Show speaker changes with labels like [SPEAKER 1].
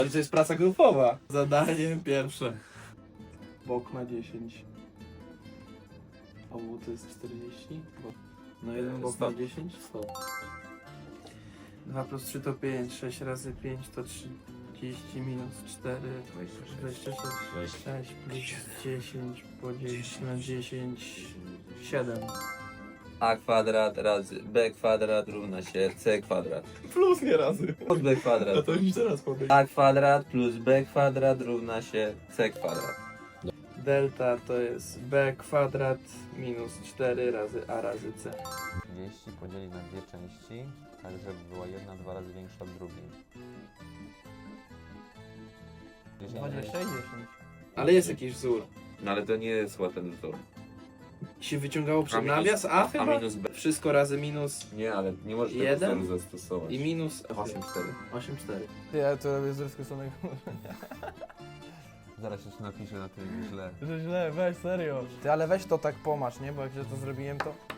[SPEAKER 1] To jest praca grupowa. Zadanie pierwsze. Bok ma 10. Obu to jest 40. No jeden bok ma 10? 100. 2 plus 3 to 5, 6 razy 5 to 30 minus 4, 26, 6 plus 10 podzielić na 10, 7.
[SPEAKER 2] A kwadrat razy b kwadrat równa się c kwadrat.
[SPEAKER 1] Plus nie razy.
[SPEAKER 2] Plus b kwadrat.
[SPEAKER 1] No to już teraz powiem.
[SPEAKER 2] A kwadrat plus b kwadrat równa się c kwadrat.
[SPEAKER 1] Delta to jest b kwadrat minus 4 razy a razy c.
[SPEAKER 3] 30 podzielić na dwie części, tak żeby była jedna 2 razy większa od drugiej.
[SPEAKER 1] 20 i 10. Ale jest jakiś wzór.
[SPEAKER 2] No ale to nie jest ten wzór.
[SPEAKER 1] Się wyciągało przed
[SPEAKER 2] A minus-
[SPEAKER 1] nawias a chyba?
[SPEAKER 2] A minus b.
[SPEAKER 1] Wszystko razy minus
[SPEAKER 2] Nie, ale nie możesz tego
[SPEAKER 1] Jeden?
[SPEAKER 2] wzoru zastosować.
[SPEAKER 1] i minus
[SPEAKER 2] 8,4.
[SPEAKER 1] 8,4.
[SPEAKER 4] Ja to robię z rozkosanego.
[SPEAKER 3] Zaraz jeszcze napiszę na tym źle.
[SPEAKER 4] Że źle, weź serio. Ty, ale weź to tak pomacz, nie? Bo jak ja to zrobiłem, to...